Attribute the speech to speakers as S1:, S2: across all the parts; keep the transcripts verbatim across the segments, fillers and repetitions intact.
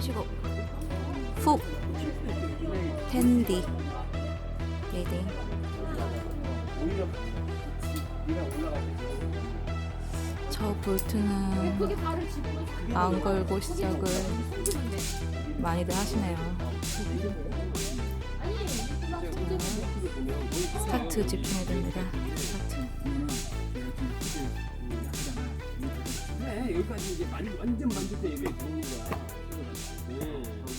S1: 쉬고 훅 텐디 리딩. 저 볼트는 안 걸고 시작을 많이들 하시네요. 스타트 집중해야 됩니다. 스타트.
S2: 네, 여기까지 이제 만, 완전 만들 때 이게 좋은 거야. 네.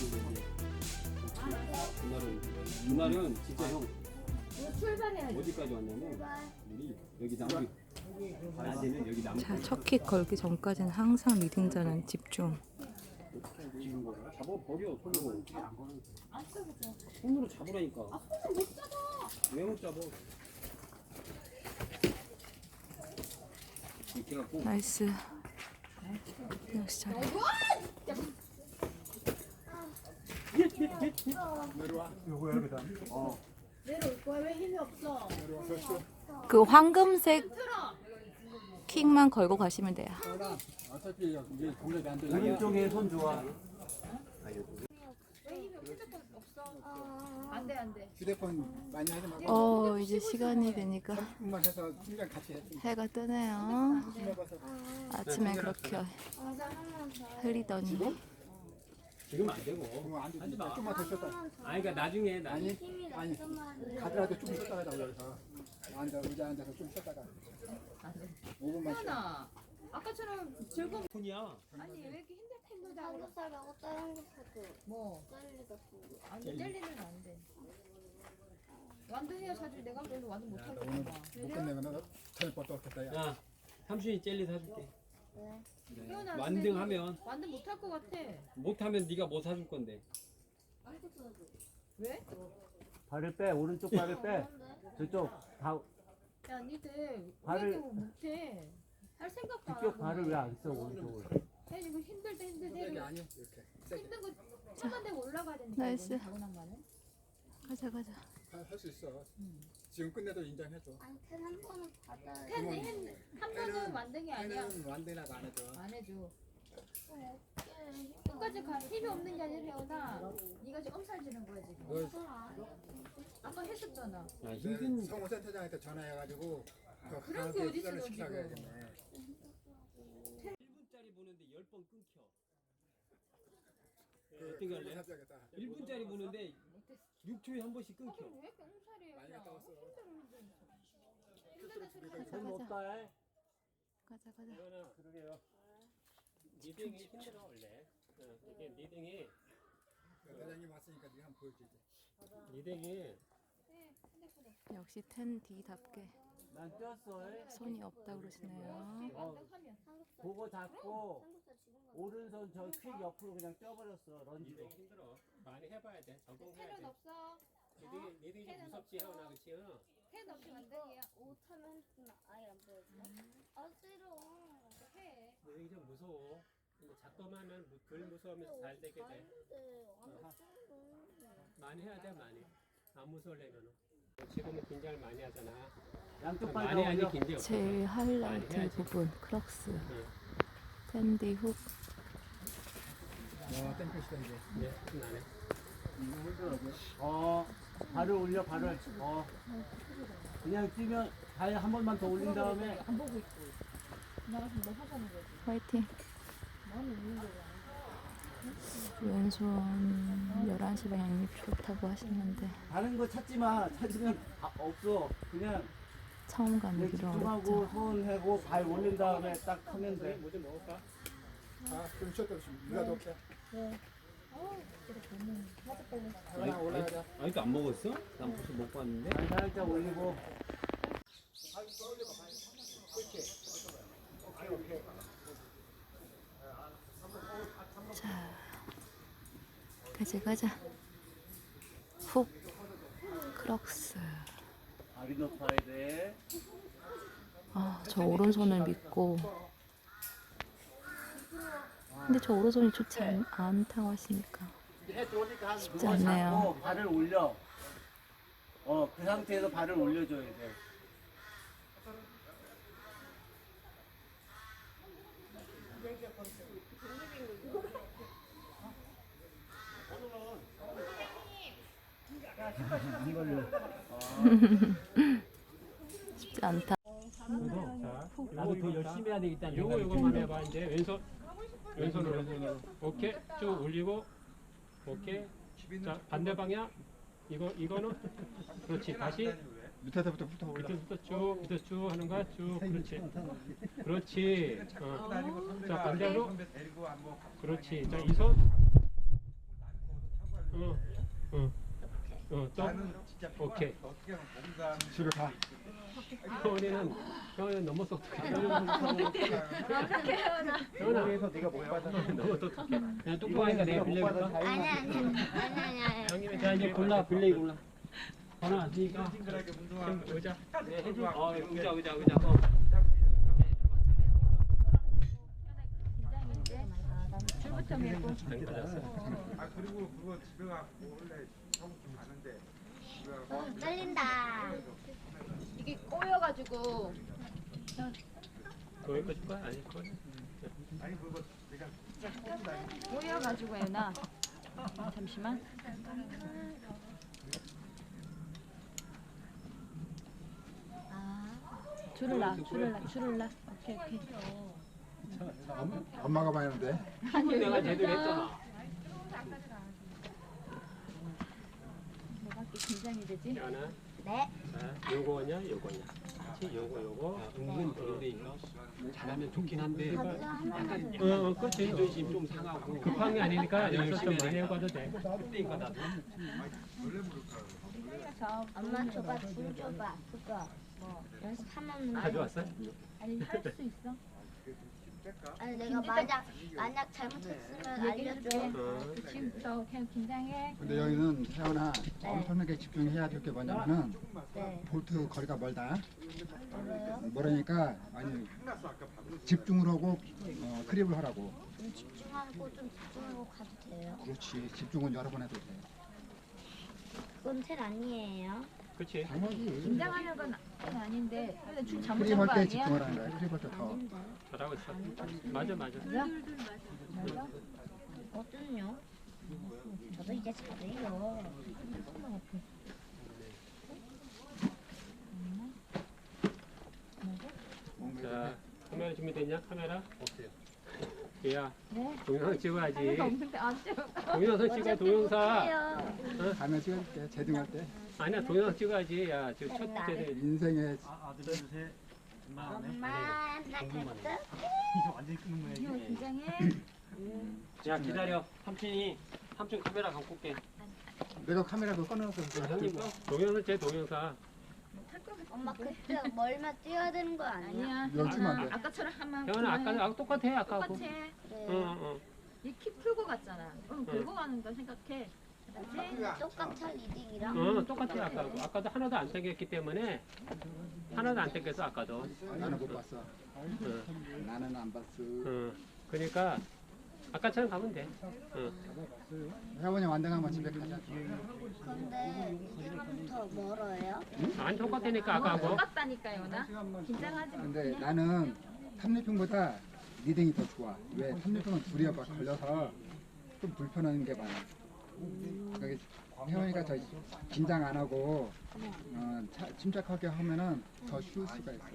S2: 그날은, 그날은 진짜 형. 어디까지 왔냐면, 우리 여기 나무, 낮에는 여기 나무.
S1: 자, 첫 킥 걸기 전까지는 항상 리딩자는 집중.
S2: 잡아버려, 손으로. 손으로 잡으라니까. 아, 손으로 못 잡아. 왜 못 잡아? 이렇게 갖고.
S1: 나이스. 역시 잘해.
S2: 내려와. 요거 여기다. 어.
S3: 내려올 거야. 왜 힘이 없어?
S1: 그 황금색 킥만 걸고 가시면 돼요.
S2: 어차피 이제 공략이 안 돼.
S4: 오른쪽에 손 좋아.
S3: 왜 힘이 없어? 휴대폰 없어? 안 돼, 안 돼.
S5: 휴대폰 많이 하지 말고
S1: 어, 이제 시간이 되니까
S5: 삼십 분만 해서 팀장 같이 해.
S1: 해가 뜨네요.
S5: 해봐서
S1: 아침에 그렇게 흐리더니.
S2: 지금 안 되고.
S5: 그러면 안 돼.
S2: 하지 마.
S5: 좀만 더 쉬었다.
S2: 아니 그러니까 나중에 나
S5: 아니 아니 가더라도 좀 쉬었다가 하자고 그래서 앉아 의자 앉아서 좀 쉬었다가 오 분만 쉬어.
S3: 하나. 아까처럼 즐거운.
S2: 폰이야.
S3: 아니 왜 이렇게 힘들 텐데?
S6: 삼겹살하고 다른 것도
S3: 뭐?
S6: 젤리 같은 거.
S3: 아니 젤리는 안 돼. 완등해야 사줄 내가 별로 완등 못 하고
S5: 오늘 못 끝내면 저녁부터 없겠다. 야.
S2: 야, 삼촌이 젤리 사줄게.
S6: 왜?
S3: 희원아,
S2: 완등하면
S3: 완등 못 할 것 같아.
S2: 못하면 네가 뭐 사줄 건데.
S3: 왜?
S4: 발을 빼. 오른쪽 발을 빼. 저쪽 다
S3: 야 니들
S4: 발을-
S3: 왜 이렇게 못해? 할 생각도 안
S4: 뒤쪽
S3: 하고.
S4: 발을 왜 안 써? 오른쪽을.
S3: 야 이거 힘들 때 힘들 때
S5: 이게 아니야 이렇게 세게
S3: 힘든 거 참아내고 올라가야 되니까.
S1: 나이스.
S3: 이거는 타고난
S1: 가자, 가자.
S5: 할 수 있어. 지금 끝내도 인정해줘.
S6: 아니 캔한 번은 받아야
S3: 펜, 한, 한 번은 완등이 아니야.
S5: 해는 완대나가 안 해줘.
S3: 안 해줘.
S6: 돼.
S3: 끝까지 가 힘이 없는 게 아니라 혜원아 네가 지금 엄살 지는 거야 지금.
S5: 너
S3: 아까 했었잖아.
S2: 야, 힘든
S5: 성우센터장한테 전화해가지고 그
S3: 그런 게
S5: 강하게
S3: 어디 있어,
S5: 수련을
S3: 너
S5: 시켜야겠네.
S2: 일 분짜리 보는데 열 번 끊겨.
S5: 그
S2: 어떻게 할래?
S5: 사줘야겠다.
S2: 일 분짜리 보는데 육 초에 한 번씩
S3: 아,
S2: 끊겨.
S3: 그럼 왜 이렇게 엄살이에요?
S5: 많이 갔다 왔어.
S3: 힘들다 소리 하지
S4: 손
S3: 마.
S4: 못 가.
S1: 가자, 가자.
S2: 그러게요. 리딩이 힘들어 원래. 어, 이게 리딩이
S5: 대장님 왔으니까 네가 한번 보여주지.
S2: 리딩이
S1: 역시 텐디답게
S4: 난 뛰었어.
S1: 손이 없다 그러시네요.
S3: 완등하면
S4: 보고 잡고
S6: 삼겹살 지금 가.
S4: 오른손 저 퀵 옆으로 그냥 뛰어버렸어. 런지로.
S2: 리딩 힘들어. 많이 해봐야 돼. 적응해야
S3: 펜은
S2: 돼.
S3: 없어.
S2: 리딩이 리딩이
S3: 펜은
S2: 무섭지
S3: 없어.
S2: 혜원아 그치? 응?
S3: 펜 없이 완등이야.
S6: 옷 하면 핸드폰 아예 안 보여줘. 아 싫어.
S3: 해.
S2: 리딩이 좀 무서워. 근데 작동하면 무- 덜 무서우면서 잘 되게 돼.
S6: 아닌데 안 싫어.
S2: 많이 해야 돼 많이. 안 무서우려면은. 지금은 긴장을 많이 하잖아.
S4: 양쪽 발
S2: 많이
S4: 다
S2: 하니
S4: 올려.
S2: 긴장 없어.
S1: 제일 하이라이트
S2: 많이 해야지.
S1: 부분 크럭스
S2: 응.
S1: 텐디 훅.
S5: 와 땡볕이다 이제.
S2: 네, 나네.
S4: 어, 발을 올려 발을. 어. 그냥 뛰면 발 한 번만 더 올린 다음에
S3: 안 보고 있고. 나가서 뭐 하자는 거지.
S1: 화이팅.
S3: 나는 있는 거야.
S1: 왼손 열한 시 방향이 좋다고 하시는데
S4: 다른 거 찾지 마. 찾으면 아, 없어. 그냥
S1: 처음 가는
S4: 그냥
S1: 길은
S4: 집중하고
S1: 어렵죠.
S4: 손 해고 발 올린 다음에 딱 하면 돼.
S2: 뭐 좀 먹을까?
S5: 아좀 쉬었다 좀. 누가 놓게.
S3: 어우, 이렇게 보면 맞아 빨리.
S5: 하나 올라가자.
S2: 아직도 안 먹었어? 난 벌써 먹고 왔는데.
S4: 발 살짝 올리고.
S1: 자, 가자, 가자. 훅 크럭스.
S4: 발이 높아야 돼.
S1: 아, 저 오른손을 믿고. 근데 저 오른손이 좋지 않, 않다고 하시니까.
S4: 해 들어오니까
S1: 쉽지
S4: 누워
S1: 않네요.
S4: 잡고 발을 올려. 어, 그 상태에서 발을 올려줘야 돼. 이걸로.
S1: 쉽지 않다.
S2: 자,
S4: 나도 더 열심히 해야 되겠다는
S2: 요거
S4: 생각이
S2: 요거만
S4: 드네.
S2: 해봐. 이제 왼손 왼손으로. 오케이. 쭉 올리고. 오케이. 자, 반대 방향. 이거 이거는 그렇지. 다시
S5: 밑에서부터 붙어 올라.
S2: 밑에부터 쭉 밑에 쭉 하는 거야. 쭉. 그렇지. 그렇지. 어. 자, 반대로. 그렇지. 자, 이 손. 어. 어. 어, 또. 오케이.
S5: 집에 가.
S2: 형이는 형이는 너무 똑똑해.
S5: 여기에서 네가 못 받아.
S2: 너무 똑똑해. 그냥 똑똑하니까 내가 빌려줄까?
S6: 아니 아니 아니 아니 아니.
S2: 형님이
S4: 자 이제 골라 빌레이 골라. 하나 왔으니까.
S2: 좀 의자. 네, 해줘. 어, 의자 의자 의자. 어.
S3: 줄부터 밀고.
S2: 안 받았어.
S7: 아 그리고 그거 집에 가고 원래 하고 좀 가는데 집에 가고
S6: 어, 떨린다.
S3: 이게 꼬여가지고
S2: 거기 거줄 거야? 아니 거기.
S7: 아니 그거 내가
S3: 꼬여가지고 애나. 잠시만. 줄을 놔, 줄을 놔, 줄을 놔. 오케이 오케이.
S5: 엄마가 봐야 하는데.
S2: 내가 제대로 했잖아.
S3: 뭐가 이렇게 긴장이 되지?
S2: 하나.
S6: 네.
S2: 자, 요거냐, 요거냐. 그렇지, 요거, 요거. 은근 그런데니까 잘하면 좋긴 한데.
S6: 가비가 하나만 더.
S2: 어, 어, 그렇지. 자존심 좀 상하고. 급한 게 아니니까 연습 좀 많이 해봐도 돼. 그때니까 나도.
S6: 엄마 줘봐, 줄 줘봐. 그거 뭐 연습하면
S2: 가져왔어?
S3: 아니 할 수 있어.
S6: 아니 내가 만약 만약 잘못했으면 알려줘.
S2: 어.
S3: 지금부터 그냥 긴장해.
S5: 근데 여기는 태어나 엄청나게 집중해야 될 게 뭐냐면은
S6: 네.
S5: 볼트 거리가 멀다.
S6: 뭐래요?
S5: 멀으니까 아니 집중을 하고 어, 크립을 하라고.
S6: 좀 집중하고 좀 집중하고 가도 돼요.
S5: 그렇지. 집중은 여러 번 해도 돼.
S6: 그건 텔 아니에요.
S2: 그렇지.
S5: 당연히.
S3: 긴장하는 건 아닌데 근데 줄 잘못
S5: 크립
S3: 잡은 거
S5: 할 때
S3: 아니야?
S5: 집중을 하는 거야. 크립 할 때 더.
S6: 아닌데.
S2: 잘하고 있어. 맞아, 맞아.
S3: 맞아? 맞아?
S6: 어떤요? 저도 이제 잘해요.
S2: 자, 카메라 준비됐냐? 카메라? 없어요. 야,
S3: 네.
S2: 동영상 찍어야지.
S3: 카메라 없는데 안 찍어.
S2: 동영상 찍어, 동영상.
S6: 해요.
S5: 가면 찍어줄게. 제등할 때.
S2: 아니야, 동영상 찍어야지. 야, 지금 첫 번째.
S5: 인생의
S4: 아, 아들 셋. 엄마 네.
S6: 엄마 나 잘못했어?
S4: 이거 완전히 끊는 거야
S3: 이거
S4: 이게.
S3: 긴장해.
S2: 야, 기다려. 삼촌이, 삼촌 카메라 갖고 올게.
S5: 내가 카메라 그거 꺼내놨어. 그거
S2: 형님,
S5: 찍어.
S2: 동영상 제 동영상.
S6: 엄마 그때 멀면 뛰어야 되는 거 아니야?
S3: 아니야.
S5: 이거 찍으면 안 돼.
S3: 아까처럼 하면
S2: 형은 아까, 아까 똑같아, 아까하고.
S3: 똑같아.
S6: 그래.
S2: 응, 응.
S3: 이키 풀고 갔잖아. 응, 긁고 가는 거 생각해.
S6: 똑같아 리딩이랑.
S2: 응, 똑같아, 아까하고. 아까도 하나도 안 당겼기 때문에. 하나도 안 당겼어, 아까도.
S5: 나는 못 봤어.
S2: 응,
S5: 나는 안 봤어.
S2: 응. 그러니까, 아까처럼 가면 돼. 응.
S5: 회원이 완등하면 집에 가자.
S6: 근데 리딩은 더 멀어요?
S2: 안 똑같다니까, 아까하고.
S3: 똑같다니까요, 나. 긴장하지 마.
S5: 근데 나는 탑리핑보다 리딩이 더 좋아. 왜? 탑리핑은 둘이 막 걸려서 좀 불편한 게 많아. 그러니까 혜원이가 저 긴장 안 하고 어, 차, 침착하게 하면은 더 쉬울 수가 있어.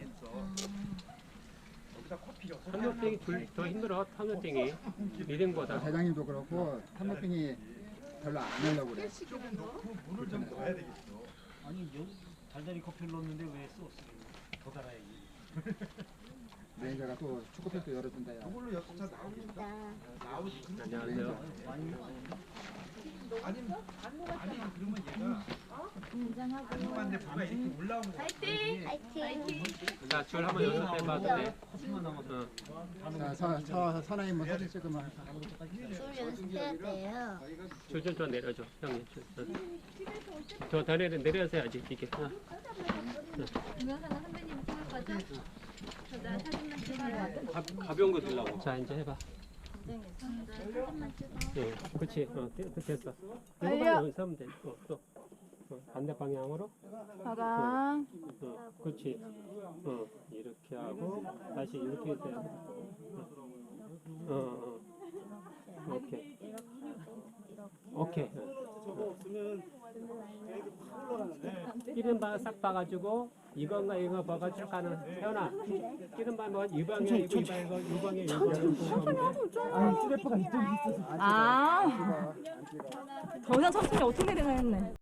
S2: 탐욕병이 둘 더 힘들어, 탐욕병이. 리듬보다.
S5: 대장님도 그렇고 탑리핑이 별로 안 하려고 그래. 불편해.
S4: 아니 여기 달달이 커피를 넣었는데 왜 소스 더 달아야지.
S5: 매니저가 또 축구팬도 열어준다. 야.
S7: 그걸로 여섯 차 나오겠다.
S6: 나
S2: 안녕하세요.
S7: 아니 아니 그러면 얘가
S3: 긴장하고.
S7: 궁금한데 뭐가 이렇게 올라오는 거야.
S3: 파이팅!
S6: 파이팅.
S2: 자, 줄 한번 연습해봐도 돼.
S4: 커피만 남았어.
S2: 응.
S5: 자, 서, 서, 선아님 뭐 사진 찍으면
S6: 줄 연습해야 돼요.
S2: 줄 좀 더 내려줘, 형님. 줄. 응. 더, 더 내려, 내려서 해야지, 이게. 응.
S3: 동영상은 선배님이 찍을 거죠? 저나 사진만 찍어요.
S2: 가, 가벼운 거 들라고. 자, 이제 해봐.
S6: 사진만 찍어.
S2: 응, 그렇지. 어, 됐- 됐어. 이거만 연습하면 돼. 어, 또. 어, 반대 방향으로.
S3: 가방.
S2: 어, 그렇지. 어, 이렇게 하고 다시 이렇게 해서. 어, 어, 어. 오케이. 오케이. 어.
S4: 저거 없으면 애들 확 올라가는데.
S2: 기름바 싹 봐가지고 이건가 이거 봐가 쭉 가는 태연아 기름바 뭐 이 방향 이거 이 방향 이거 이 방향 이거
S4: 아니, 찌레퍼가 이쪽에 있어서.
S1: 아,
S5: 안 찍어.
S1: 더 이상 천천히 어떻게 되나 했네.